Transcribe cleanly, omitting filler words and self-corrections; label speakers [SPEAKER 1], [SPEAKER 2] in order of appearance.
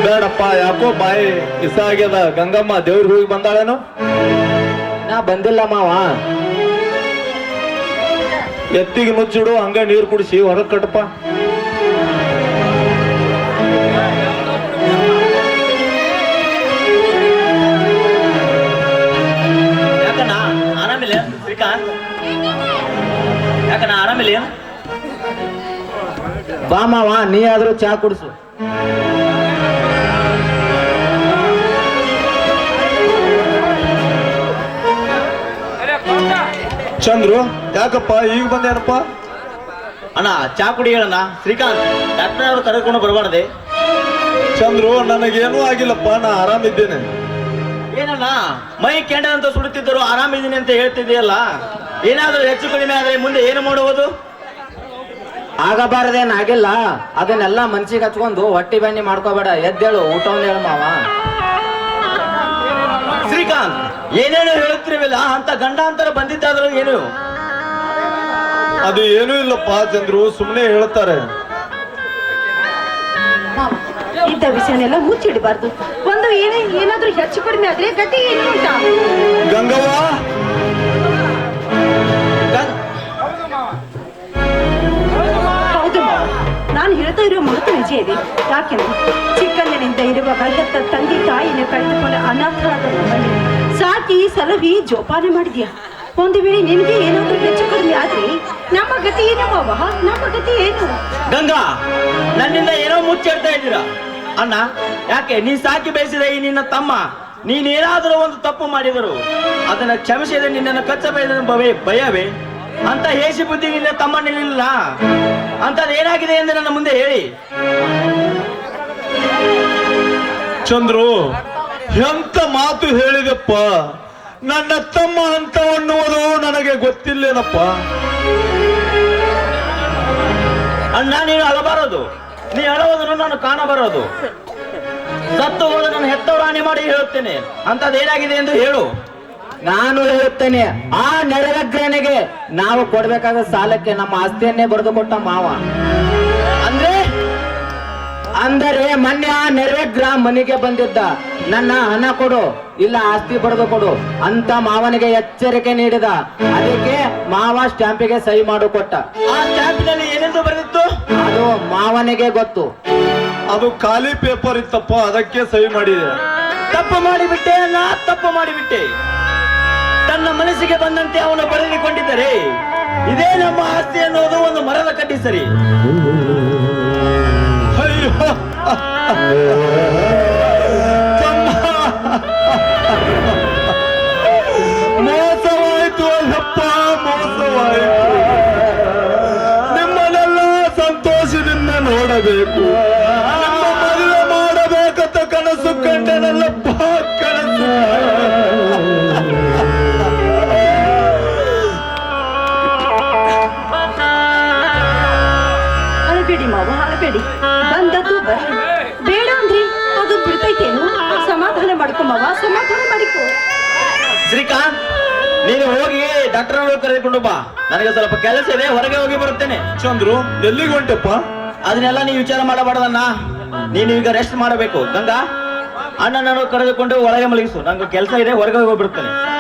[SPEAKER 1] ಬೇಡಪ್ಪ, ಯಾಕೋ ಬಾಯಿ ಇಸ ಆಗ್ಯದ. ಗಂಗಮ್ಮ ದೇವ್ರಿಗೆ ಹೋಗಿ ಬಂದಾಳೇನು?
[SPEAKER 2] ನಾ ಬಂದಿಲ್ಲ ಮಾವ.
[SPEAKER 1] ಎತ್ತಿಗೆ ನುಚ್ಚಿಡು, ಹಂಗ ನೀರು ಕುಡಿಸಿ ಹೊರಗೆ ಕಟ್ಟಪ್ಪ.
[SPEAKER 3] ಯಾಕಣ್ಣ ಆರಾಮಿಲ್ಲ ಶ್ರೀಕಾಂತ್? ಯಾಕಣ್ಣ ಆರಾಮಿಲ್ಲ?
[SPEAKER 2] ಬಾ ಮಾವ, ನೀ ಆದ್ರೂ ಚಾ ಕುಡಿಸು.
[SPEAKER 1] ಚಂದ್ರು, ಯಾಕಪ್ಪ ಈಗ ಬಂದೇನಪ್ಪ?
[SPEAKER 3] ಅಣ್ಣ ಚಾ ಕುಡಿ ಹೇಳಣ್ಣ. ಶ್ರೀಕಾಂತ್, ಡಾಕ್ಟರ್ ಅವರು ಕರೆದುಕೊಂಡು ಬರಬಾರ್ದೆ?
[SPEAKER 1] ಚಂದ್ರು, ನನಗೇನೂ ಆಗಿಲ್ಲಪ್ಪ, ನಾ ಆರಾಮಿದ್ದೇನೆ.
[SPEAKER 3] ಏನಣ್ಣ ಮೈ ಕೆಂಡ ಅಂತ ಸುಡುತ್ತಿದ್ದರು, ಆರಾಮಿದ್ದೀನಿ ಅಂತ ಹೇಳ್ತಿದ್ದೀಯಲ್ಲ? ಏನಾದರೂ ಹೆಚ್ಚು ಕಡಿಮೆ ಆದ್ರೆ ಮುಂದೆ ಏನು ಮಾಡುವುದು?
[SPEAKER 2] ಆಗಬಾರದೇನಾಗಿಲ್ಲ, ಅದನ್ನೆಲ್ಲ ಮನ್ಸಿಗೆ ಹಚ್ಕೊಂಡು ಹೊಟ್ಟಿ ಬನ್ನಿ ಮಾಡ್ಕೋಬೇಡ. ಎದ್ದೇಳು, ಊಟವನ್ನು ಹೇಳು ಮಾವ.
[SPEAKER 3] ಶ್ರೀಕಾಂತ್, ಏನೇನು ಹೇಳುತ್ತಿರಲಿಲ್ಲ, ಅಂತ ಗಂಡಾಂತರ ಬಂದಿದ್ದಾದ್ರು ಏನು?
[SPEAKER 1] ಅದು ಏನೂ ಇಲ್ಲಪ್ಪ ಚಂದ್ರು, ಸುಮ್ಮನೆ ಹೇಳ್ತಾರೆ.
[SPEAKER 4] ಇಂಥ ವಿಷಯನೆಲ್ಲ ಮುಚ್ಚಿಡಬಾರ್ದು. ಒಂದು ಏನಾದ್ರೂ ಹೆಚ್ಚು ಕಡಿಮೆ ಆದ್ರೆ ಗತಿ ಏನು ಅಂತ.
[SPEAKER 1] ಗಂಗವ್ವ,
[SPEAKER 4] ಹೌದು ಮಾವ, ನಾನು ಹೇಳ್ತಾ ಇರೋ ಮಾತು ನಿಜ ಇದೆ. ಯಾಕೆಂದ್ರೆ ಚಿಕ್ಕಂದಿನಿಂದ ಇರುವ ಗಂಡತ್ತ ತಂದೆ ತಾಯಿನ ಕಳೆದುಕೊಂಡ ಅನಾಥರಾದ ನಮ್ಮಲ್ಲಿ ಸಾಕಿ ಸಲಹಿ ಜೋಪಾನ ಮಾಡಿದ್ಯಾ. ಒಂದು ವೇಳೆ ನಿನಗೆ ಏನಾದ್ರೂ ಹೆಚ್ಚು ಕಡಿಮೆ ಆದ್ರೆ ನಮ್ಮ ಗತಿ ಏನು ಮಾವ? ನಮ್ಮ ಗತಿ ಏನು?
[SPEAKER 3] ಗಂಗಾ, ನನ್ನಿಂದ ಏನೋ ಮುಚ್ಚಿಡ್ತಾ ಇದ್ದೀರಾ ಅಣ್ಣ. ಯಾಕೆ? ನೀ ಸಾಕಿ ಬಯಸಿದ ಈ ನಿನ್ನ ತಮ್ಮ ನೀನೇನಾದರೂ ಒಂದು ತಪ್ಪು ಮಾಡಿದರು ಅದನ್ನ ಕ್ಷಮಿಸಿದ ನಿನ್ನನ್ನು ಕಚ್ಚಬೇದ ಭಯವೇ ಅಂತ ಹೇಸಿ ಬುದ್ಧಿ ನಿನ್ನ ತಮ್ಮ ನಿಲ್ಲ ಅಂತದ್ ಏನಾಗಿದೆ ಎಂದು ನನ್ನ ಮುಂದೆ ಹೇಳಿ.
[SPEAKER 1] ಚಂದ್ರು, ಎಂತ ಮಾತು ಹೇಳಿದಪ್ಪ. ನನ್ನ ತಮ್ಮ ಅಂತ ಅನ್ನುವುದು ನನಗೆ ಗೊತ್ತಿಲ್ಲೇನಪ್ಪ.
[SPEAKER 3] ಅಣ್ಣ, ನೀನು ಅಳಬಾರದು. ನೀ ಅಳುವುದನ್ನು ನಾನು ಕಾಣಬಾರದು. ಸತ್ತು ಹೋದ ನನ್ನ ಹೆತ್ತವರು ಹಾನಿ ಮಾಡಿ ಹೇಳುತ್ತೇನೆ. ಅಂತದೇನಾಗಿದೆ ಎಂದು ಹೇಳು.
[SPEAKER 2] ನಾನು ಹೇಳುತ್ತೇನೆ, ಆ ನೆರವೇಗ್ರನಿಗೆ ನಾವು ಕೊಡ್ಬೇಕಾದ ಸಾಲಕ್ಕೆ ನಮ್ಮ ಆಸ್ತಿಯನ್ನೇ ಬರೆದು ಕೊಟ್ಟ ಮಾವ. ಅಂದರೆ ಮೊನ್ನೆ ಆ ನೆರವೇಗ್ರ ಮನೆಗೆ ಬಂದಿದ್ದ. ನನ್ನ ಹಣ ಕೊಡು, ಇಲ್ಲ ಆಸ್ತಿ ಬರೆದು ಕೊಡು ಅಂತ ಮಾವನಿಗೆ ಎಚ್ಚರಿಕೆ ನೀಡಿದ. ಅದಕ್ಕೆ ಮಾವ ಸ್ಟ್ಯಾಂಪಿಗೆ ಸಹಿ ಮಾಡು ಕೊಟ್ಟ.
[SPEAKER 3] ಆ ಸ್ಟ್ಯಾಂಪಿನಲ್ಲಿ ಏನೆಂದು ಬರೆದಿತ್ತು
[SPEAKER 2] ಅದು ಮಾವನಿಗೆ ಗೊತ್ತು.
[SPEAKER 1] ಅದು ಖಾಲಿ ಪೇಪರ್ ಇತ್ತಪ್ಪ, ಅದಕ್ಕೆ ಸಹಿ ಮಾಡಿದೆ.
[SPEAKER 3] ತಪ್ಪು ಮಾಡಿಬಿಟ್ಟೆ ಅಲ್ಲ, ತಪ್ಪು ಮಾಡಿಬಿಟ್ಟೆ. ತನ್ನ ಮನಸ್ಸಿಗೆ ಬಂದಂತೆ ಅವನು ಬರೆದುಕೊಂಡಿದ್ದರೆ ಇದೇ ನಮ್ಮ ಆಸ್ತಿ ಅನ್ನೋದು ಒಂದು ಮರದ ಕಡ್ಡಿ ಸರಿ.
[SPEAKER 1] ಅಯ್ಯೋ ಮೋಸವಾಯ್ತು ಅಲ್ಲಪ್ಪ, ಮೋಸವಾಯ್ತು. ನಿಮ್ಮನ್ನೆಲ್ಲ ಸಂತೋಷದಿಂದ ನೋಡಬೇಕು, ನಿಮ್ಮ ಮದುವೆ ಮಾಡಬೇಕಂತ ಕನಸು ಕಂಡನಲ್ಲಪ್ಪ, ಕನಸು.
[SPEAKER 4] ಅಳಬೇಡಿ ಮಾವ, ಅಳಬೇಡಿ. ಬಂದದ್ದು ಬರ್ಲಿ. ಬೇಡ ಅಂದ್ರಿ ಅದು ಬಿಡ್ತೈತೇನು? ಸಮಾಧಾನ ಮಾಡ್ಕೊ ಮಾವ, ಸಮಾಧಾನ ಮಾಡಿಕೊ.
[SPEAKER 3] ಶ್ರೀಕಾಂತ್, ನೀನು ಹೋಗಿ ಡಾಕ್ಟರ್ ಅವರು ಕರೆದುಕೊಂಡು ಬಾ. ನನಗೆ ಸ್ವಲ್ಪ ಕೆಲಸ ಇದೆ, ಹೊರಗೆ ಹೋಗಿ ಬರುತ್ತೇನೆ.
[SPEAKER 1] ಚಂದ್ರು, ಎಲ್ಲಿಗೆ ಹೊಂಟಪ್ಪ?
[SPEAKER 3] ಅದನ್ನೆಲ್ಲ ನೀವು ವಿಚಾರ ಮಾಡಬಾರ್ದಣ್ಣ. ನೀನು ಈಗ ರೆಸ್ಟ್ ಮಾಡಬೇಕು. ಗಂಗಾ, ಅಣ್ಣನನ್ನು ಕರೆದುಕೊಂಡು ಒಳಗೆ ಮಲಗಿಸು. ನಂಗೆ ಕೆಲಸ ಇದೆ, ಹೊರಗೆ ಹೋಗಿ ಬಿಡುತ್ತೇನೆ.